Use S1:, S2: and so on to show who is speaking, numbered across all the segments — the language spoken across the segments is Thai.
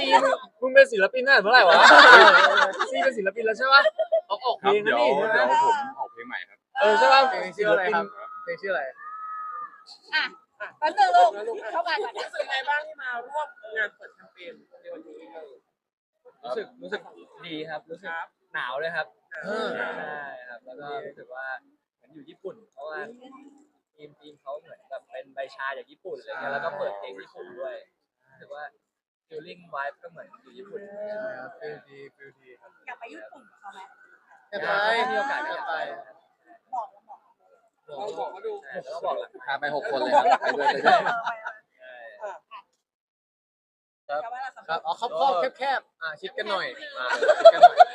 S1: ซีมึงเป็นศิลปินตั้งแต่เมื่อไหร่วะซีเป็นศิลปินแล้วใช่ปะออกเพ
S2: ครั
S1: ล
S2: บ
S1: ง
S2: เดี๋
S1: นั่
S2: ย
S1: น
S2: ว
S1: นี่ใช่ไหม
S2: ผมออกเพลงใหม่ครับ
S1: ใช่ปะ
S3: เพลงชื่ออะไรครับเพลงชื่ออะไร
S4: อ่ะแป๊บนึงลูกเข้ามาก่อน
S5: รู้สึกไงบ้างที่มาร่วมงานเปิดแคมเปญในวันนี้
S3: รู้สึกดีครับรู้สึกหนาวเลยครับใช่ครับแล้วก็รู้สึกว่าเหมือนอยู่ญี่ปุ่นเพราะว่าทีมเขาเหมือนแบบเป็นใบชาจากญี่ปุ่นอะไรเงี้ยแล้วก็เปิดเพลงญี่ปุ่นด้วยรู้สึกว่า feeling vibe ก็เหมือนอยู่ญี่ปุ่นครับฟีลดีครับ
S4: อยากไปญี่ปุ่นกับเขาไหม
S3: อยากไปมีโอกาสก็อยากไป
S4: บอกแล้วบอก
S5: เราบอกเขาดู
S3: แล้วก็บอกหลัง
S6: พาไป6 คนเลยครับไปด้วยไปด้วย
S3: ครับอ๋อครอบแคบชิดกันหน่อยชิดกันหน่อย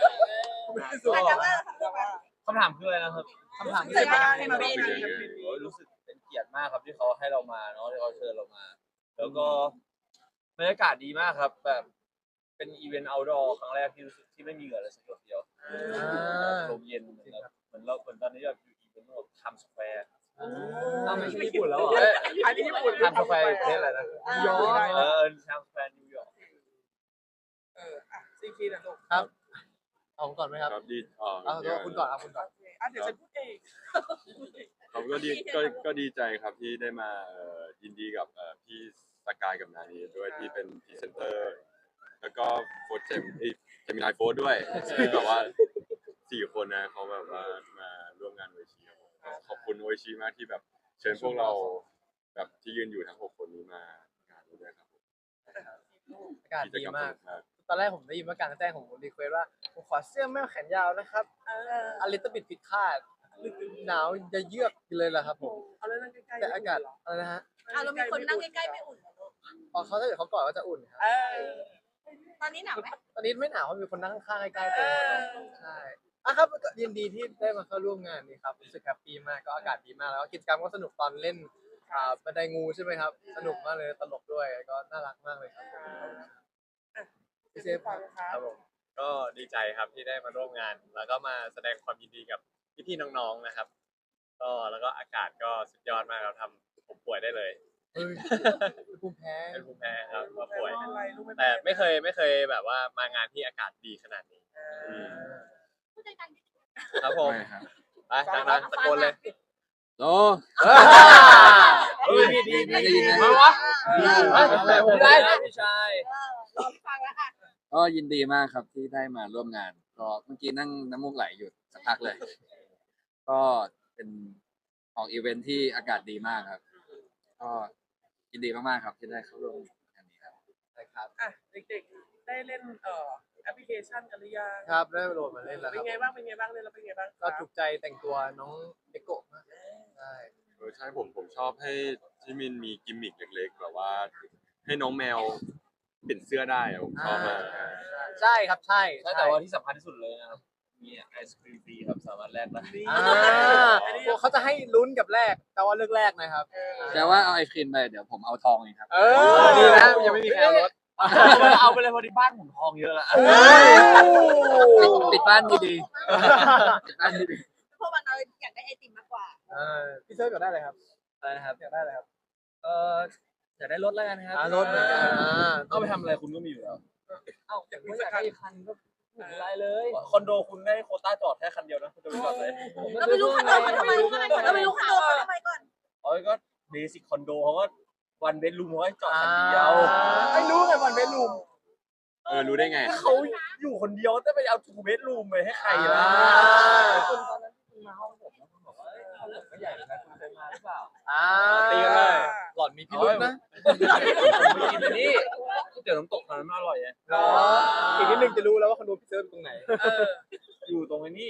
S4: คำถามคืออะไรนะครับ
S3: คำถามที่
S4: เคย
S3: จะ
S4: ได้
S3: มา
S4: มาเป็น
S3: รู้สึกเป็นเกียรติมากครับที่เขาให้เรามาเนาะที่เขาเชิญเรามา แล้วก็บรรยากาศดีมากครับแบบเป็นอีเวนต์ outdoor ครั้งแรกที่รู้สึกที่ไม่มีเหงื่อเลยสักหยดเดียวลมเย็นเหมือนตอนนี้แบบอยู่อีเวนต์แบบไทม์สแควร์ไม่ใช่ญี่ปุ่นแล้วเหรอ
S5: อันนี้ญี่ปุ่น
S3: ไทม์สแควร์ประเทศอะไรนะนิวยอร์กไทม์สแควร์นิวยอร์ก
S5: ซีคีนะลูก
S3: ครับเอาก่อนไหมครับ
S2: ครับดี
S3: เอาตัวคุณก่อนเอาคุณก่อน
S5: เดี๋ยวฉันพูดเอง
S2: ครับก็ดีใจครับที่ได้มายินดีกับพี่สกายกับนานีด้วยที่เป็นพรีเซนเตอร์ แล้วก็โฟร์เจมินายโฟร์ด้วยที่แบบว่า4 คนนะเขาแบบว่ามาร่วมงานโอชิขอบคุณโอชิมากที่แบบเชิญพวกเราแบบที่ยืนอยู่ทั้ง6 คนนี้มางานด้วยครับ
S3: อากาศดีมากตอนแรกผมได้ยินว่าการแจ้งผมรีเควสว่าผมขอเสื้อแม่แขนยาวนะครับอลิตบิดผิดคาดหนาวจะเยือกเลยล่ะครับผม
S5: เอาเรื่องใกล้ๆ
S3: แต่อากาศอะไรนะฮะ
S4: เรามีคนนั่งใกล้ๆไม่อุ่นเหรอลูก
S3: อ๋อเขาถ้าเกิดเขากอดก็จะอุ่นครับ
S4: ตอนนี้หนาวไหม
S3: ตอนนี้ไม่หนาวเพราะมีคนนั่งข้างๆใกล้ๆตัวใช่ครับก็ยินดีที่ได้มาเข้าร่วมงานนี้ครับรู้สึกแฮปปี้มากก็อากาศดีมากแล้วก็กิจกรรมก็สนุกตอนเล่นบันไดงูใช่ไหมครับสนุกมากเลยตลกด้วยก็น่ารักมากเลยครับพี่เซฟ
S5: ฟังค
S3: ค
S5: รั
S3: รั
S5: บบ
S3: ผม
S7: ก็ดีใจครับที่ได้มาร่วมงาน แล้วก็มาแสดงความยินดีกับพี่ๆน้องๆนะครับก็แล้วก็อากาศก็สุดยอดมากเราทำผมป่วยได้เลย
S3: ภูมิแพ้
S7: เป็นภูมิแพ้ครับก็ป่วย
S5: เป็นไรลูก
S7: แต่ไม่เคยแบบว่ามางานที่อากาศดีขนาดนี้
S4: ผู้จัดการ
S7: ครับผม
S6: ไม่ครับ
S7: ไปดังๆตะโกนเลย
S6: โอ้
S3: ดี
S6: ไม่ได้ยินนะ
S3: มาวะได้พี่ชาย
S4: รอฟังแล้วค่ะ
S6: ก็ยินดีมากครับที่ได้มาร่วมงานก็เมื่อกี้นั่งน้ำมูกไหลอยู่สักพักเลย ก็เป็นของอีเวนท์ที่อากาศดีมากครับ ก็ยินดีมากๆครับที่ได้เข้าร่วมงานนี้ครับ
S3: ครับ
S5: เด็กๆได้เล่นแอปพลิเคชันกันหรือยัง
S3: ครับได้โหลดมาเล่นแล้วค
S5: เป็
S3: รั
S5: นไงบ้างเล่นแล้วเป็นไงบ้าง
S3: ก็ถูกใจแต่งตัวน้องเดโกะมากใช่
S2: ใช่ผมชอบให้ที่มินมีกิมมิคเล็กๆแบบว่าให้น้องแมวเปลี่ยนเสื้อได้อะผมชอบมาก
S3: ใช่ครับใช่
S7: แต่ว่าที่สำคัญที่สุดเลยนะครับมีไอศครีมฟรีครับสามารถแลกได้
S3: พวกเขาจะให้ลุ้นกับแรกแต่ว่าเลือกแรกนะครับ
S6: แต่ว่าเอาไอศครีมไปเดี๋ยวผมเอาทองเองครับ
S3: ดีนะยังไม่มีใครเอารถ
S7: เอาไปเลยพอดีบ้านผมทองเยอะละ
S6: ปิดบ้านดีๆปิดบ้านดี
S4: พวกมันเราอยากได้ไอติมมากกว่า
S3: พี่เซิร์ฟอยากได้อะไรครับ
S7: อะไรนะครับ
S3: อยากได้อะไรครับ
S7: อยากได้รถแล้วกันครับ
S3: รถเหมือนกัน
S7: เอาไปทำอะไรคุณก็มีอยู่แล้ว
S3: เอ้าอยากได้คันก็ไม่เป็นไรเลย
S7: คอนโดคุณได้โควต้าจอดแค่คันเดียวนะคุณจะไปจอดเลย
S4: เราไปรู้คอนโดเขาทำไมเราไปรู้คอนโดเขาทำไมก่อน
S7: อ๋อก็เบสิกคอนโดเขาก็วันเบดรูมเขาให้จอดคันเดียว
S3: ไม่รู้ไงวันเบดรูม
S2: รู้ได้ไง
S7: เขาอยู่คนเดียวจะไปเอาทูเบดรูมไปให้ใครล่ะ
S3: คุณตอนนั้นคุณมาห้องผมแล้วคุณบอกว่าห้องผมก็ใหญ่นะคุณเคยมาหรือเปล่า
S7: ตีกันเลย
S3: หล่อนมีพิรุธนะ
S7: ผมไปกินอันนี้ก๋วยเตี๋ยวน้ำตกตอนนั้นมันอร่อยไง
S3: อีกนิดนึงจะรู้แล้วว่าคอนโดพี่เซิร์ฟตรงไหน
S7: อยู่ตรงนี้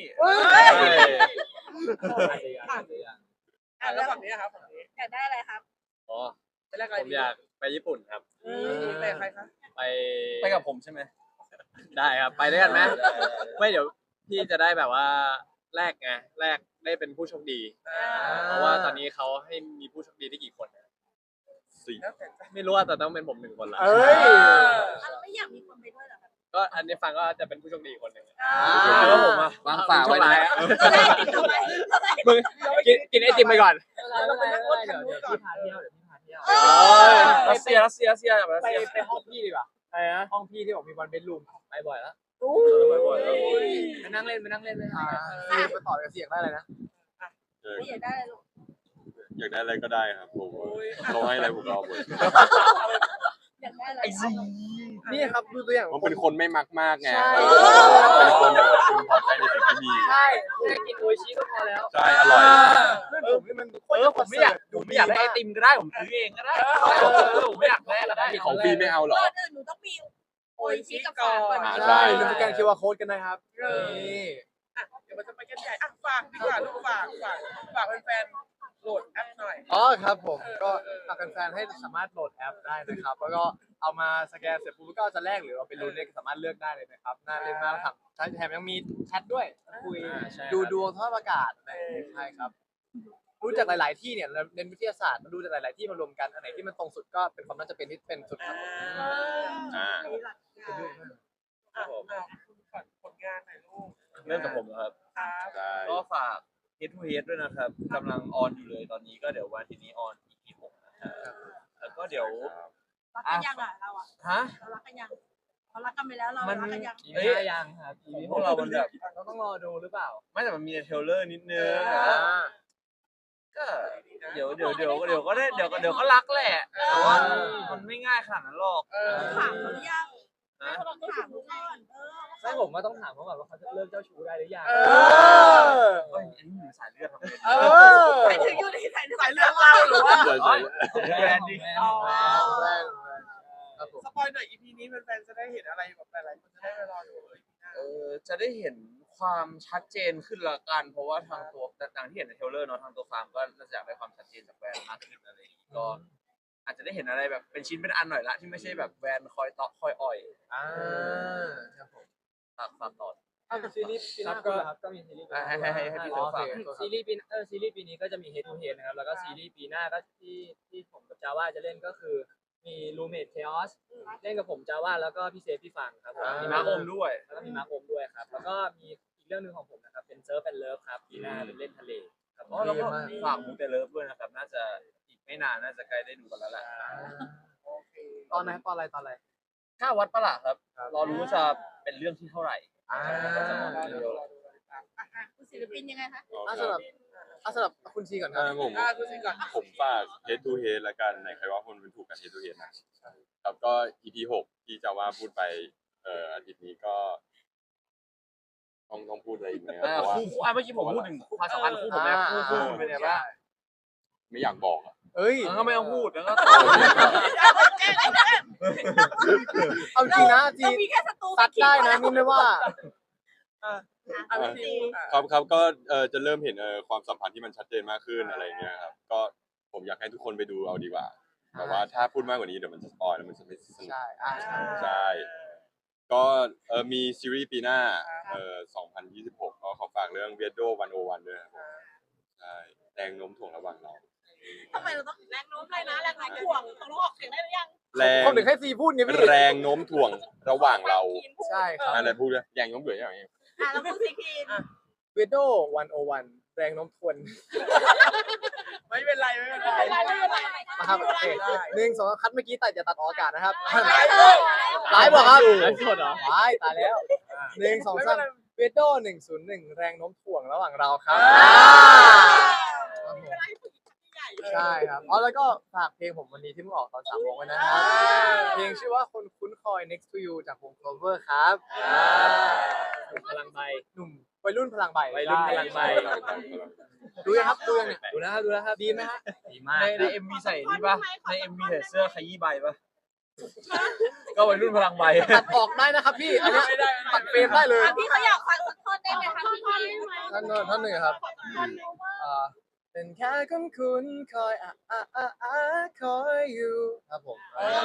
S5: แล้วฝั่งนี้ครับฝั่งนี้
S4: อยากได้อะไรครับ
S7: อ๋อ
S5: ไปแรกอะไร
S7: ผมอยากไปญี่ปุ่นครับ
S5: ไปใครคะ
S7: ไปกับผมใช่ไหมได้ครับไปด้วยกันไหมไม่เดี๋ยวพี่จะได้แบบว่าแลกไงแลกได้เป็นผู้โชคดี เพราะว่าตอนนี้เขาให้มีผู้โชคดีได้กี่คนนะ
S5: แล้วแต่
S7: ไม่รู้ว่าแต่ต้องเป็นผม1 คนละ
S3: เอ้ย
S4: เราไม่อยากมีคนไปด้วยเหรอครับ
S7: ก็อันนี้ฟังก็จะเป็นผู้โชคดีคนหนึ่ง
S3: แล้วผมอะ
S6: วางฝาไว้นะ
S4: เราได้ติดทำไมเราได้
S7: มึงกินไอติมไปก่อน
S3: เราไปนั่งรถคันนู้นก่อน
S7: รัสเซียแบบรัสเซีย
S3: ไปห้องพี่ดีกว่าอะไรนะห้องพี่ที่บอกมีวันเบดรูมไปบ่อยแล้ว
S7: บ่อยๆแล้ว
S3: ไปนั่งเล่นไป
S1: ไปต่อกับเสียงได้เลยนะ
S4: ไม่อยากได้อะไรลูก
S2: อยากได้อะไรก็ได้ครับผมเขาให้อะไรผมก็เอาหมด
S4: อยากได้อะไร
S1: นี่ครับดูตัวอย่าง
S2: ผมเป็นคนไม่มักมากไง
S1: ใช่
S2: เป็นคนแบบพึงพอใจในสิ่งที่มี
S1: ใช่
S3: แค่กินโออิชิก็พอแล้ว
S2: ใช่อร่อย
S1: เพื่อนผมนี่มัน
S3: ผมไม่อยากได้ไอติมก็ได้ผมซื้อเองก็ได้ผมไม่อยากได้ก็ได้
S2: ของฟรีไม่เอาเหรอ
S4: ก่อนอื่นหนูต้องมีโออิชิกับฝากก่อน
S2: อ่า
S1: ใช่ลืมสแกน QR code กันนะครับ นี่
S5: เดี๋ยวมันจะไปกันใหญ่ฝากดีกว่าลูกฝากแฟนๆโหลดแอปหน่อย
S1: อ๋อครับผมก็ฝากแฟนๆให้สามารถโหลดแอปได้นะครับ แล้วก็เอามาสแกนเสร็จปุ๊บก็จะแลกหรือเราไปลุ้นเนี่ยสามารถเลือกได้เลยนะครับน่าเล่นมากครับแถมยังมีแชทด้วยคุยดูดวงสภาพอากาศอะไรอย่างเงี้ยใช่ครับรู้จากหลาย ๆ ที่เนี่ยเราเรียนวิทยาศาสตร์มาดูจากหลาย ๆ ที่มารวมกันอันไหนที่มันตรงสุดก็เป็นความน่าจะเป็นที่เป็นสุดครับ
S2: อ่า
S5: ผลงานหน่อยลูก
S7: เริ่มจากผมนะครับ
S5: ครับ
S2: ใช่
S7: ก็ฝาก Head to Head ด้วยนะครับกำลังออนอยู่เลยตอนนี้ก็เดี๋ยววันที่นี้ออน EP 6นะครับแล้วก็เดี๋ยว
S4: รักกันยังอ่ะเราอ่ะ
S7: ฮะ
S4: เรารักกันยังเรารักกันไปแล้วเรา
S7: มัน
S4: รักกันยัง
S3: เฮ้ยยังครับ
S7: พวกเรามันแบบ
S3: เราต้องรอดูหรือเปล่า
S7: ไม่แต่มันมีในเทรลเลอร์นิดนึงก็เดี๋ยวก็ได้เดี๋ยวก็รักแหละแต่ว่ามันไม่ง่ายขนาดนั้นหรอก
S4: ถามเขาหรือยัง
S7: นะ
S4: เราต้องถามเขาก่อน
S3: ใช่ผมว่าต้องถามเขาก่อนว่าเขาจะเลิกเจ้าชู้ได้หรือยัง
S7: เฮ้ยอันนี้อยู่สายเลือดทำไม
S4: ไปถึงอยู่ในสายเลือดเราหรือว่า
S2: ใช่ใช่
S7: แบรนด์ดิ
S1: ครับผม
S5: สปอยหน่อย EP นี้แฟนๆจะได้เห็นอะไรแบบหลายๆคนจะได้ไปรอดูเลย
S7: จะได้เห็นความชัดเจนขึ้นละกัน เพราะว่าทางตัวต่างที่เห็นในเทรลเลอร์เนาะทางตัวฟาร์มก็น่าจะอยากได้ความชัดเจนจากแบรนด์มากขึ้นอะไรอย่างงี้ก็อาจจะได้เห็นอะไรแบบเป็นชิ้นเป็นอันหน่อยละที่ไม่ใช่แบบแบรนด์คอยตอกคอยอ่อย
S1: ครับผม
S7: ฝากต่อ
S1: ซีรีส์ปีห
S3: ครั
S1: น้า
S3: บ
S1: ก็
S3: ก็มีซีรีส์
S7: ให้พี่เต๋อฝาก
S3: ซีรีส์ปีนี้ก็จะมี Head to Head นะครับแล้วก็ซีรีส์ปีหน้าก็ที่ผมกับจาว่าจะเล่นก็คือมี Roommate Chaos เล่นกับผมจาว่าแล้วก็พี่เซฟพี่ฟังครับผม
S7: มีมาร์คอมด้วย
S3: แล้วก็มีมาร์คอมด้วยครับแล้วก็มีอีกเรื่องหนึงของผมนะครับเป็น Surf and Love ครับปีหน้าเป็นเล่นทะเลครับ
S7: อ๋อแล้วก็ฝากมูเตเลิฟด้วยนะครับน่าจะอีกไม่นานน่าจะใกล้ได้ดูกันแล้วแหละ
S1: ตอนไหนตอนอะไร
S7: ถ้าวัดประหลาดครับรอรู้ว่าจะเป็นเรื่องที่เท่าไหร่
S4: คุณศิลปินยังไงคะ
S1: สำหรับคุณชีก่อนครับ
S2: ผม
S5: ดูสิก่อน
S2: ผมฝาก Head to Head ละกันไหนใครว่าคนเป็นถูกกับ Head to Head นะครับก็ EP 6ที่จะว่าพูดไปอาทิตย์นี้ก็ต้องพูดอะไรอีกไหมครับเพราะว่า
S7: คู่เมื่อกี้ผมพูดถึงความสัมพันธ์คู่ผมแม่คู่เป็นไงบ้าง
S2: ไม่อยากบอกอะ
S1: เอ้ย
S7: ก็ไม่ต้องพูดแล้วก็
S1: เอาจริงนะจี
S4: เรามีแค่ศัตรู
S1: ซัดได้นะนี่ไม่ว่า
S2: ครับก็จะเริ่มเห็นความสัมพันธ์ที่มันชัดเจนมากขึ้นอะไรเงี้ยครับก็ผมอยากให้ทุกคนไปดูเอาดีกว่าแต่ว่าถ้าพูดมากกว่านี้เดี๋ยวมันจะสปอยแล้วมันจะไม่สนุก
S1: ใช่
S2: ใช่ก็มีซีรีส์ปีหน้า2026ก็ขอฝากเรื่อง Weirdo 101ด้วยครับใช่แรงโน้มถ่วงระหว่างเรา
S4: ทำไมเราต้องแรงโน้มเลยนะแรงโน้มถ่วงต้องออกเสียงได้หรือยัง
S2: แรง
S1: ผมถึงให้ซีพูดไงพี่
S2: แรงโน้มถ่วงระหว่างเรา
S1: ใช่ครับ
S2: อะไรพูดเลยแรงโน้มถ่วงอย่างเงี้ย
S4: แล้วพูดสิคีน
S1: เวโด101แรงโน้มถ่วง
S5: ไม่เป็นไร
S1: นะครับโอเค1 2คัดเมื่อกี้แต่จะตัดออกอากาศนะครับ
S5: ไล
S1: ไลฟ์บอกครับ
S3: ไลฟ์สดเหรอ
S1: ตายแล้ว1 2 3เวโด101แรงโน้มถ่วงระหว่างเราครับใช่ครับอ๋อแล้วก็ฝากเพลงผมวันนี้ที่เพิ่งออกตอน3 โมงไว้นะครับเพลงชื่อว่าคนคุ้นคอย next to you จากวง Clover ครับ
S3: พลังใบ
S1: หนุ่มวัยรุ่นพลังใบ
S3: วัยรุ่นพลังใบ
S1: ดูยังครับดูยังเนี่ย
S3: ดูนะครับ
S1: ดีไหมฮะ
S3: ดีมาก
S7: ใน MV ใส่นี่ป่ะใน MV ใส่เสื้อขยี้ใบป่ะก็วัยรุ่นพลังใบ
S1: ตัดออกได้นะครับพี่อันเนี้ยตัดเฟรมได้เลย
S4: พี่เขาอยากฟังสักท่อนได้ไหมคะพี่คีน
S1: ท่านหนึ่งครับเป็นแค่คนคุ้นคอยคอยอยู่ครับผม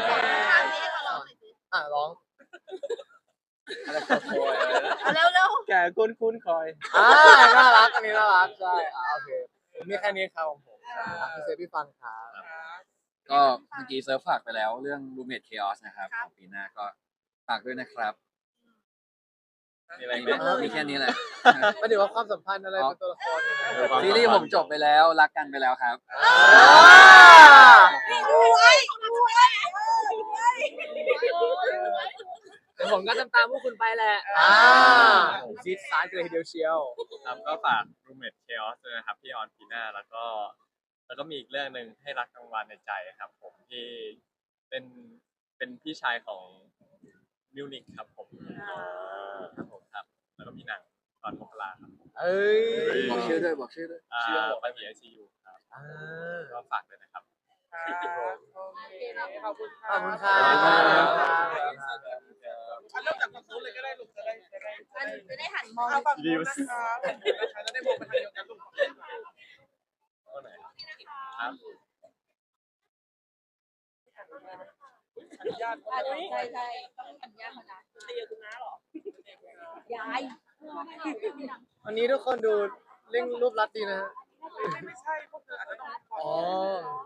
S1: ร้อง
S7: อะไรคอยอะไรนะ
S4: เร็ว
S7: แกคุ้นคอย
S1: น่ารักอันนี้น่ารักใช่โอเคมีแค่นี้ครับของผมพี่เซฟพี่ฟังครับ
S6: ก็เมื่อกี้เซิร์ฟฝากไปแล้วเรื่อง Roommate Chaos นะครับของปีหน้าก็ฝากด้วยนะครับ
S7: มีอะไรไหม
S6: มีแค่นี้แหละ
S1: ไม่ถึงว่าความสัมพันธ์อะไรเป็นตัวละคร
S6: ซีรีส์ผมจบไปแล้วรักกันไปแล้วครับ
S4: รวย
S3: ผมก็ตามพวกคุณไปแหละ
S1: ซีดซ้ายกันเลยทีเดียวเชียว
S7: ครับก็ฝาก Roommate Chaos ด้วยนะครับที่ออนปีหน้าแล้วก็มีอีกเรื่องหนึ่งให้รักกลางวันในใจครับ ผมที่เป็นพี่ชายของมิวนิกครับผมครับผมครับ แล้วก็มีหนังตอนมกราครับ
S1: เอ้ย
S6: บอกชื่อด้วยบอกชื่อด้วย
S7: ชื่อปาฏิไอซียูครับก็ฝากด้วยนะครับ
S5: โอเคขอบคุณ
S1: ขอบคุณครับ
S5: เริ่มจากฝั่งนู้นเลยก็ได้ลูกจะได้
S4: มันจะได้หันมอง
S5: เอาฝั่งนู้นนะคะจะได้มองไปทางเดียวกันลูก
S7: ก็ไหนครับ
S5: อนุญาต
S4: ใช่ใช่ต้องหันยากขนาด
S5: เตียคุณน้าหรอ
S4: ย้าย
S1: วันนี้ทุกคนดูเร่งรูปลัดดีนะฮะ
S5: ไม่ใช่พวกเธออาจจะต้อง
S1: อ๋อ